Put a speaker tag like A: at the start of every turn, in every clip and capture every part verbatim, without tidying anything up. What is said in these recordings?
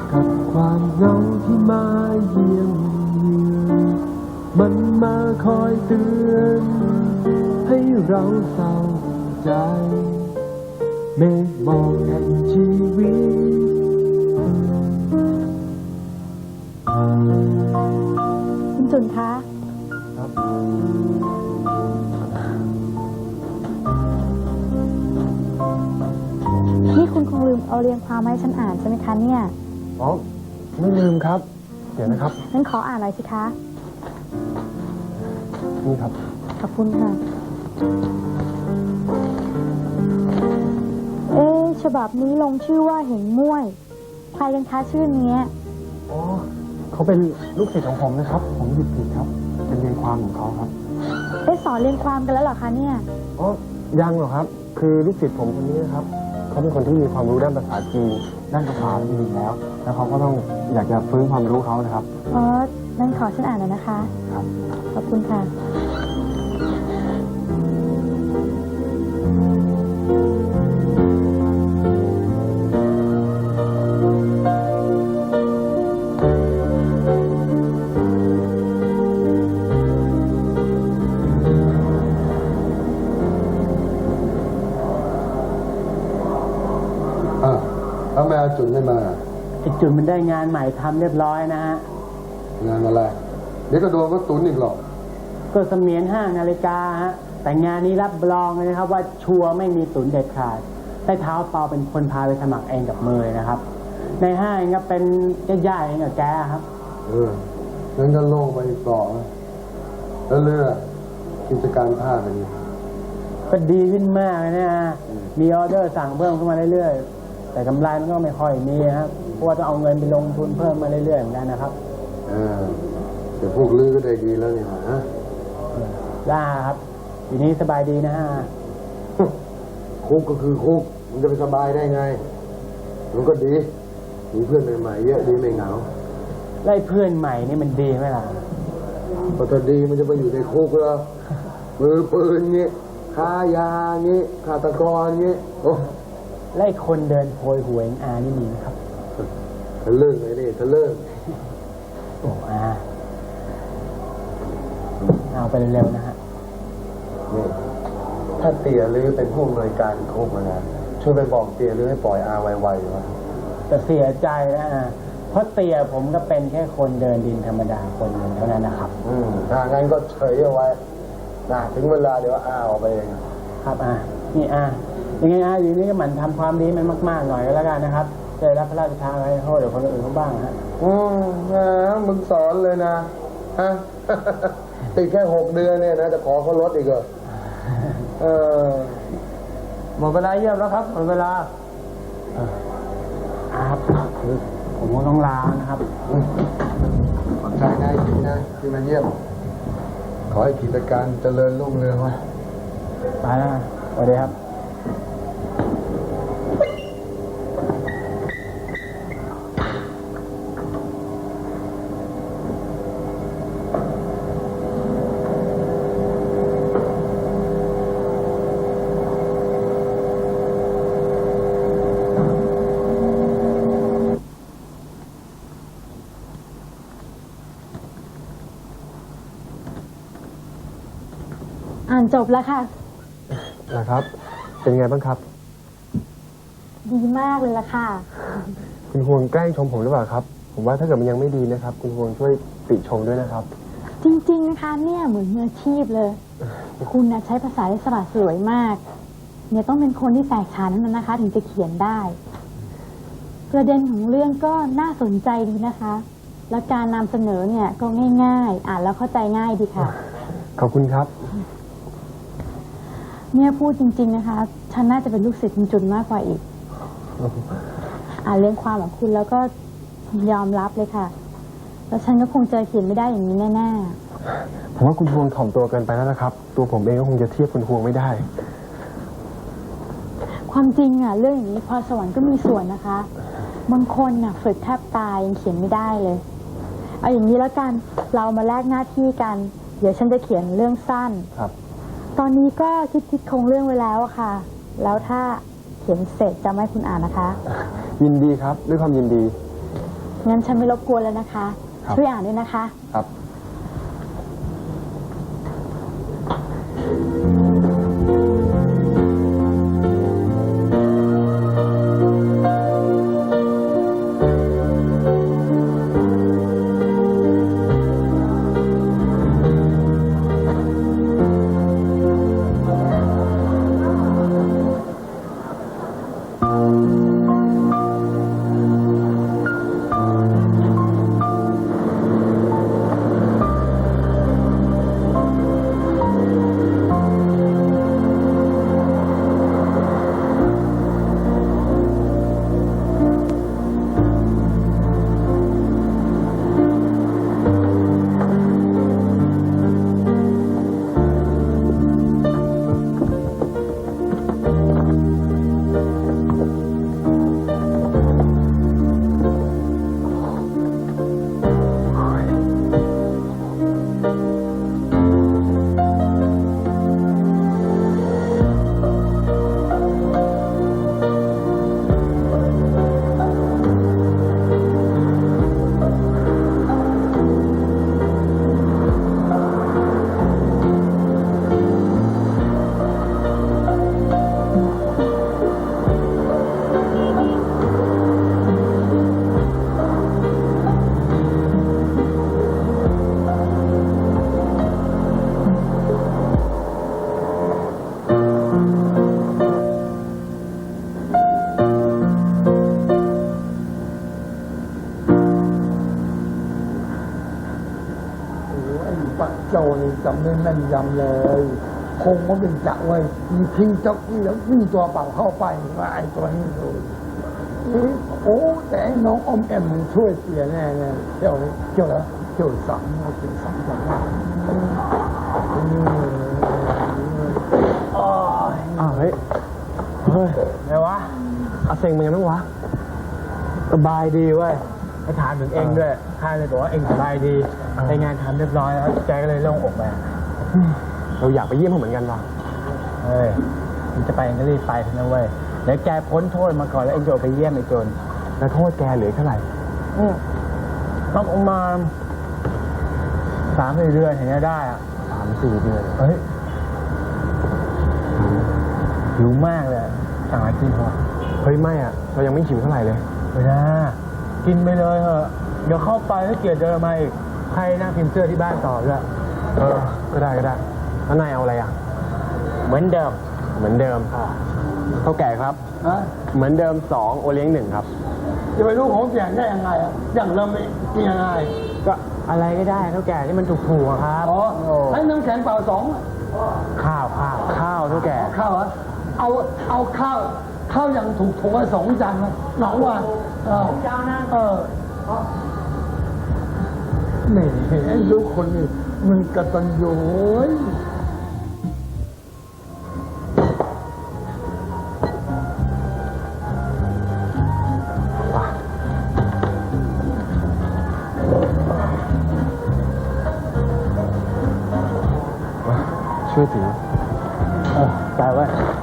A: กับความเหงาที่มาเยี่ยมเยือนมันมาคอยเตือนให้เราเศร้าใจเมฆหมอกแห่งชีวิต
B: คุณจุนคะ
A: ครับ
B: นี่คุณคงลืมเอาเรียงความมาให้ฉันอ่านใช่ไหมคะเนี่ย
A: อ๋อไม่ลืมครับเดี๋ยวนะครับ
B: งั้นขออ่านหน่อยสิคะ
A: นี่ครับ
B: ขอบคุณค่ะเอ๊ะฉบับนี้ลงชื่อว่าเหงม่วยใครกันคะชื่อนี้
A: อ๋อเขาเป็นลูกศิษย์ของผมนะครับผมหยิบผิดครับเป็นเรียงความของเขาครับ
B: เอ๊ะสอนเรียงความกันแล้วเหรอคะเนี่ย
A: อ๋อยังหรอกครับคือลูกศิษย์ผมคนนี้นะครับเขาเป็นคนที่มีความรู้ด้านภาษาจีนด้านภาษาดีแล้วแล้วเขาก็ต้องอยากจะฟื้นความรู้เขานะครับ
B: อ๋อนั่นขอฉันอ่านหน่อยนะคะ
A: ครับ
B: ขอบคุณค่ะ
C: ทำไมอาจุนไม่มา
D: ไอจุนมันได้งานใหม่ทำเรียบร้อยนะฮะ
C: งานอะไรเดี๋ยวก็โดนก็ตุนอีกหรอก
D: ก็เสมียนห้านาฬิกาฮะแต่งานนี้รับรองเลยนะครับว่าชัวร์ไม่มีตุนเด็ดขาดได้เท้าเปาเป็นคนพาไปสมัครเองกับมือนะครับในห้างก็เป็นญาติๆเองกับแกครับ
C: เอองั้นก็โล่งไปอีกต่อแล้วเรื่องกิจการผ้าเป็นไง
D: ก็ดีขึ้นมากเลยนะมีออเดอร์สั่งเพิ่มขึ้นมาเรื่อยๆแต่กำไรมันก็ไม่ค่อยมีครับเพราะว่าต้องเอาเงินไปลงทุนเพิ่มมาเรื่อยๆเหมือนกันนะครับ
C: เออแต่พวกลือก็ได้ดีแล้วนี่ฮะ
D: ได้ครับทีนี้สบายดีนะฮะ
C: คุกก็คือคุกมันจะไปสบายได้ไงมันก็ดีมีเพื่อนใหม่ๆเยอะดีไม่เหงา
D: ไล่เพื่อนใหม่นี่มันดีไหมล่ะ
C: พอจะดีมันจะไปอยู่ในคุกแล้วมือปืนเงี้ยค้ายาเงี้ยฆาตกรเงี้ยโอ้
D: ไล่คนเดินโพยหวยอานี่มีนะครับ
C: ทะลึ่งเลยนี่ทะลึ่ง
D: โอ้อาเอาไปเร็วๆนะฮะ
C: นี่ถ้าเตี๋ยลือเป็นผู้อำนวยการคุกนะช่วยไปบอกเตี๋ยลือให้ปล่อยอาไวๆวะ
D: แต่เสียใจนะเพราะเตี๋ยผมก็เป็นแค่คนเดินดินธรรมดาคนหนึ่งเท่านั้นนะครับ
C: อืมถ้างั้นก็เฉยเอาไว้นะถึงเวลาเดี๋ยวอาออกไปเอง
D: ครับอานี่อายังไงอาอยู่นี่ก็หมั่นทำความดีมันมากๆหน่อยก็แล้วกันนะครับจะได้รับพระราชทานอะไรโทษเดี๋ยวคนอื่นเขาบ้างฮะ
C: อืมนะมึงสอนเลยนะฮะติดแค่หกเดือนเนี่ยนะจะขอเขาลดอีกเหรอเออ
D: หมดเวลาเยี่ยมแล้วครับหมดเวลาครับผมก็ต้องลานะครับ
C: ขอบใจนะจริงนะที่มาเยี่ยมขอให้กิจการเจริญรุ่งเรืองวะ
D: ไปแล้วสวัสดีครับ
B: อ่านจบแล้วค่ะ
A: นะครับเป็นไงบ้างครับ
B: ดีมากเลยล่ะค่ะ
A: คุณฮวงแกล้งชมผมหรือเปล่าครับผมว่าถ้าเกิดมันยังไม่ดีนะครับคุณฮวงช่วยติชมด้วยนะครับ
B: จริงๆนะคะเนี่ยเหมือนมืออาชีพเลยคุณนะใช้ภาษาได้สละสวยมากเนี่ยต้องเป็นคนที่แตกฉานนั้นนะคะถึงจะเขียนได้ประเด็นของเรื่องก็น่าสนใจดีนะคะแล้วการนำเสนอเนี่ยก็ง่ายๆอ่านแล้วเข้าใจง่ายดีค่ะ
A: ขอบคุณครับ
B: เนี่ยพูดจริงๆนะคะฉันน่าจะเป็นลูกศิษย์คุณจุนมากกว่าอีกอ่านเรื่องความของคุณแล้วก็ยอมรับเลยค่ะแล้วฉันก็คงจะเขียนไม่ได้อย่างนี้แน่
A: ๆผมว่าคุณฮวงถ่อมตัวเกินไปแล้วนะครับตัวผมเองก็คงจะเทียบคุณฮวงไม่ได้
B: ความจริงอ่ะเรื่องอย่างนี้พรสวรรค์ก็มีส่วนนะคะบางคนน่ะฝึกแทบตายยังเขียนไม่ได้เลยเอาอย่างนี้แล้วกันเรามาแลกหน้าที่กันเดี๋ยวฉันจะเขียนเรื่องสั้น
A: ครับ
B: ตอนนี้ก็คิดคิดคงเรื่องไว้แล้วอะค่ะแล้วถ้าเขียนเสร็จจะไม่คุณอ่านนะคะ
A: ยินดีครับด้วยความยินดี
B: งั้นฉันไม่รบกวนแล้วนะคะ
A: ครับ
B: ช่วยอ่านด้วยนะคะ
A: ครับ
C: ป้าโจนี่จำได้แม่นยำเลย คงว่าเป็นจะเว้ยมีทิ้งเจ้าที่แล้ววิ่งตัวเปล่าเข้าไปว่าไอ้ตัวนี้ดูนี่โอ้แต่ไอ้น้องอมแอมมันช่วยเสียแน่แน่เที่ยวนี้เที่ยวแล้วเที่ยวสามเราเป็นสามจังหวัด
A: อ้าวเฮ้ย เฮ้ยไงวะอาเซ็งเป็นไงบ้างวะ
D: สบายดีเว้ยไปถามถึงเองด้วยข้าเลยบอกว่าเองสบายดีในงานทำเรียบร้อยแล้วแกก็เลยโล่งอกไป
A: เราอยากไปเยี่ยมเขาเหมือนกันว่ะ
D: เฮ้ยมันจะไปเองก็รีบไปเถอะนะเว้ยเดี๋ยวแกพ้นโทษมาก่อนแล้วเองจะออกไปเยี่ยมไอ้โจร
A: แล้วโทษแกเหลือเท่าไหร่
D: ต้องประมาณสามสี่เดือนเห็นจะได้อะ
A: สามสี่เดือน
D: เฮ้ยหิวมากเลยสั่งอะไรกินเถอะ
A: เฮ้ยไม่อ่ะ เรายังไม่หิวเท่าไหร่เลย
D: ไม่ได้กินไปเลยเถอะเดี๋ยวเข้าไปถ้าเกียรเดินมาอีกให้นั่งพิมพ์เสื้อที่บ้านต่อด้วย
A: เออ ก็ได้ก็ได้ แล้วนายเอาอะไรอ่ะ
D: เหมือนเดิม
A: เหมือนเดิมเท่าแก่ครับ
C: ฮะ
A: เหมือนเดิมสองโอเลี้ยงหนึ่งครับ
C: จะไปรู้ของเสียงได้ยังไงอ่ะอย่างเราไม่กินยังไง
D: ก็อะไรก็ได้เท่าแก่ที่มันถูกๆอะครับ
C: อ๋อให้น้ำแข็งเปล่าสอง
D: ข้าวข้าว
A: ข้าวเท่าแก่
C: ข้าวอ่ะเอาเอาข้าวข้าวอย่างถูกถูกสองจานนะหนองว่าเออเออแหมลูกคนนี้มันกตัญญูเว้ย
A: ช่วยถือ
D: เออไปไว้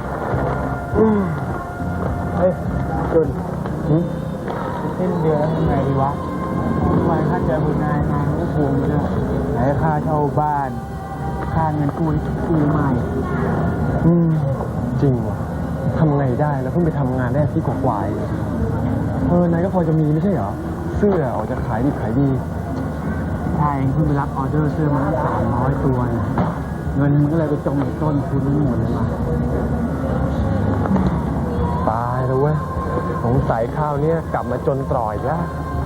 D: เฮ้ยจุนสิ้นเดือนแล้วทำไงดีวะทำไมค่าเจอคุณนายงานก็ภูมิด้วยไหนค่าเช่าบ้าน ค่าเงินกู้กู้ใหม่
A: อืม จริงว่ะทำไงได้แล้วเพิ่งไปทำงานได้ที่กว่าๆเองเออนายก็พอจะมีไม่ใช่เหรอ เสื้อออกจะขายดีขายดี
D: ใช่เพิ่งไปรับออเดอร์เสื้อมาสามร้อยตัวนะเงินมันก็เลยไปจมในต้นทุนทั้งหมดเลยว่ะ
A: ตายแล้วเว้ยสงสัยข้าวเนี่ยกลับมาจนตรอยอีกแล้ว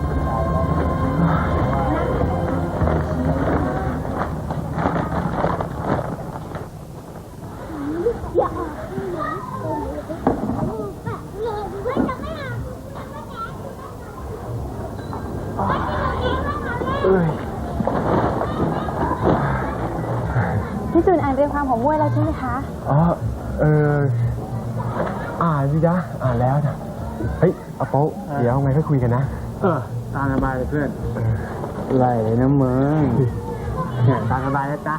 A: เอ้ย
B: พี่จุนอ่านเรียงความของมวยแล้วใช่ไหมคะ
A: อ๋อ เออ อ่านสิจ๊ะ อ่านแล้วจ้ะเฮ้ยเอาโป๊ะเดี๋ยวไงค่อยคุยกันนะ
D: เออตามสบายเลยเพื่อนไหลเลยนะมึงเนี่ยตามสบายนะจ๊ะ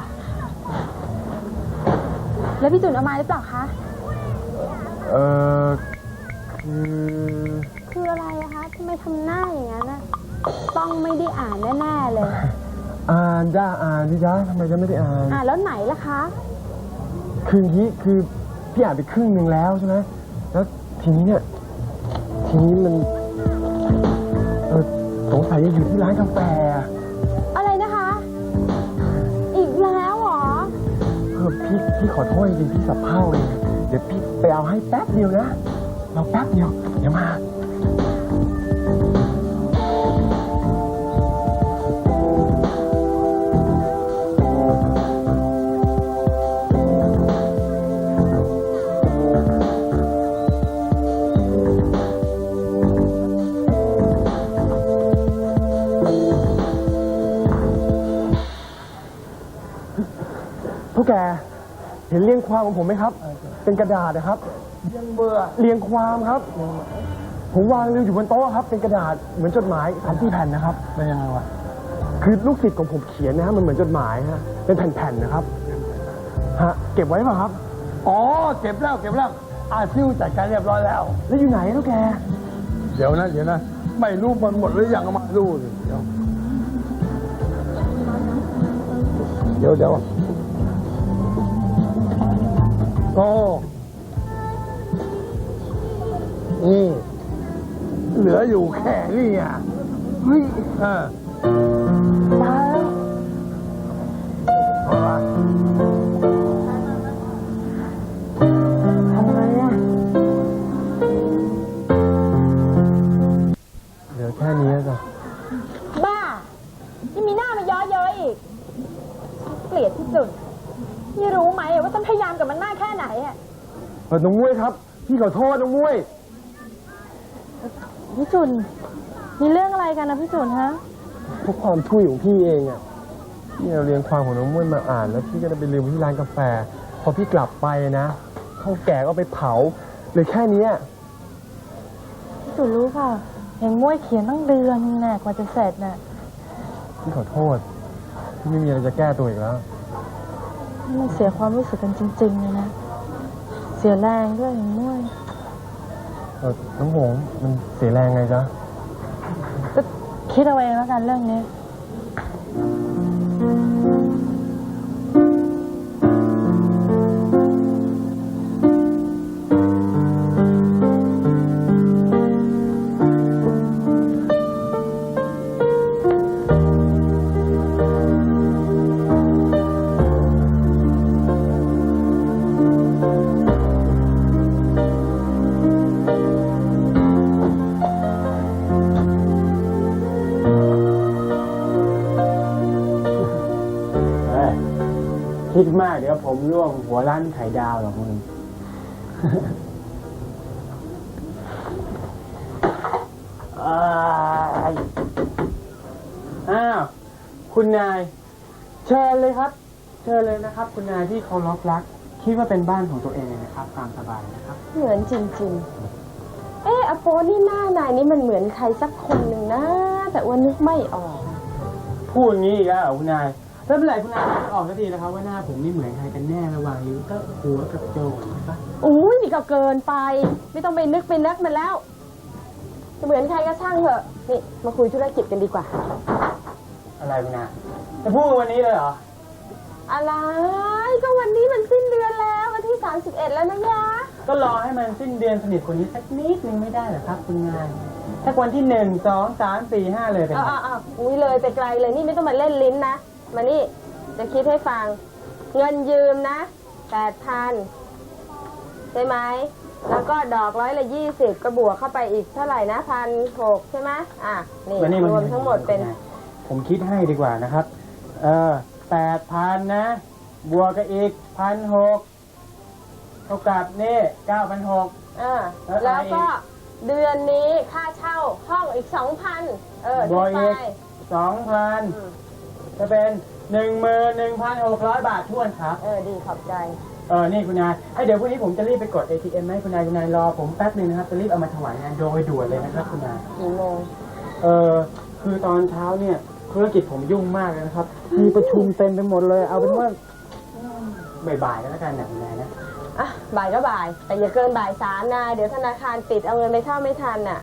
B: แล้วพี่จุนเอามาหรือเปล่าคะ
A: เออคือ
B: คืออะไรอะคะทำไมทำหน้าอย่างนั้นอะต้องไม่ได้อ่านแน่ๆเลย
A: อ่านจ้าอ่านดิจ้าทำไมจะไม่ได้อ่าน
B: อ่านแล้วไหนล่ะคะ
A: คืออย่างนี้คือพี่อ่านไปครึ่งหนึ่งแล้วใช่ไหมแล้วทีนี้เนี่ยทีนี้มันเออสงสัยจะอยู่ที่ร้านกาแฟอะ
B: อะไรนะคะ อีกแล้วเหรอ
A: เออพี่พี่ขอโทษจริงๆพี่สับเพร่าเลยเดี๋ยวพี่ไปเอาให้แป๊บเดียวนะเราแป๊บเดียวเดี๋ยวมา พวกแกเห็นเรียงความของผมไหมครับ เป็นกระดาษนะครับ
C: ยังเบื่อ
A: เรียงความครับ ผมวางเรียงอยู่บนโต๊ะครับ เป็นกระดาษเหมือนจดหมายสามสี่แผ่นนะครับ
C: เป็นยังไงวะ
A: คือลูกศิษย์ของผมเขียนนะฮะมันเหมือนจดหมายฮะเป็นแผ่นๆนะครับฮะเก็บไว้ป่ะครับ
C: อ๋อเก็บแล้วเก็บแล้วอาซิวจัดการเรียบร้อยแล้ว
A: แล้วอยู่ไหนแล้วแก
C: เดี๋ยวนะเดี๋ยวนะไม่รู้มันหมดหรือยังเอามาดูสิเดี๋ยวเดี๋ยวเดี๋ยวโอ้นี่เหลืออยู่แค่นี้อ่ะเฮ้ยเออมาแล้วเอาละทำไงอ่ะ
A: เหลือแค่นี้จ้ะ
B: บ้ายังมีหน้ามาย้อเย้ยอีก เกลียดที่สุดนี่รู้ไหมว่าฉันพยายามกับมันมากแค่ไหนอะ
A: เออน้องมุ้ยครับพี่ขอโทษน้องมุ้ย
B: พี่จุนมีเรื่องอะไรกันนะพี่จุนฮะ
A: เพราะความทุยของพี่เองอ่ะพี่เอาเรียงความของน้องมุ้ยมาอ่านแล้วพี่ก็ได้ไปลืมที่ร้านกาแฟ พอพี่กลับไปนะเท่าแก่ก็ไปเผาเหลยแค่เนี้ย
B: พี่จุนรู้เปล่าเห็นม้วยเขียนตั้งเดือนนึงน่ะกว่าจะเสร็จน่ะ
A: พี่ขอโทษพี่ไม่มีอะไรจะแก้ตัวอีกแล้ว
B: นี่มันเสียความรู้สึกกันจริงๆเลยนะ เสียแรงด้วยเห็นม้วย
A: เออน้องหงส์มันเสียแรงไงจ๊ะ
B: ก็คิดเอาเองแล้วกันเรื่องนี้
D: เอ้ยคิดมากเดี๋ยวผมร่วงหัวร้านไข่ดาวหรอกมึง อ้ายอ้าวคุณนาย เชิญเลยครับ เชิญเลยนะครับ คุณนายที่เคารพรัก คิดว่าเป็นบ้านของตัวเองเลยนะครับตามสบายนะครับ
E: เหมือนจริงๆ เอออโปนี่หน้านายนี่มันเหมือนใครสักคนหนึ่งนะ แต่ว่านึกไม่ออก
D: พูดอย่างนี้อีกแล้วเหรอคุณนายแล้วเมื่อไหร่คุณนายจะออกสักทีนะครับว่าหน้าผมนี่เหมือนใครกันแน่ระหว่างนิ้วก็หัวกับโจใช่ปะ
E: อุ้ยนี่ก็เกินไป ไม่ต้องไปนึกไปนักมันแล้ว จะเหมือนใครก็ช่างเถอะ นี่มาคุยธุรกิจกันดีกว่า
D: อะไรคุณนายจะพูดวันนี้เลยเหรอ
E: อะไร ก็วันนี้มันสิ้นเดือนแล้ววันที่สามสิบเอ็ดแล้วนะยะ
D: ก็รอให้มันสิ้นเดือนสนิทคนนี้สักนิดนึงไม่ได้เหรอครับคุณนายถ้าวันที่หนึ่งสองสามสี่ห้าเลยเป็น
E: อ้า
D: ไง
E: วอ้าวอุ้ยเลยไปไกลเลยนี่ไม่ต้องมาเล่นลิ้นนะ มานี่ จะคิดให้ฟัง เงินยืมนะแปดพันใช่ไหม แล้วก็ดอกร้อยละยี่สิบก็บวกเข้าไปอีกเท่าไหร่นะพันหกใช่ไหมอ่ะ นี่
D: แล้วนี่น
E: รวมทั้งหมดเป็น
D: ผมคิดให้ดีกว่านะครับ เออแปดพันนะ บวกกับอีกพันหกเท่ากับนี่เก้าพันหก
E: อ่า
D: แล้ว
E: แล้วก็
D: อะไรอีก
E: เดือนนี้ค่าเช่าห้องอีกสองพันเออบ
D: วก
E: ไป
D: อีกสองพัน
E: อืม
D: จะเป็นหนึ่งหมื่นหนึ่งพันหกร้อยบาททวนครับ
E: เออ ดีขอบใจ
D: เออ นี่คุณนายให้เดี๋ยวพรุ่งนี้ผมจะรีบไปกด เอ ที เอ็ม ให้คุณนายคุณนายรอผมแป๊บนึงนะครับ จะรีบเอามาถวายงานโดยด่วนเลยนะครับคุณนาย
E: กี่โมง
D: เออคือตอนเช้าเนี่ยธุรกิจผมยุ่งมากเลยนะครับ มีประชุมเต็มไปหมดเลย เอาเป็นว่าบ่ายๆก็แล้วกันนะคุณนายนะ
E: อ่ะ บ่ายก็บ่าย แต่อย่าเกินบ่ายสามนะ เดี๋ยวธนาคารปิดเอาเงินไปเข้าไม่ทันน่ะ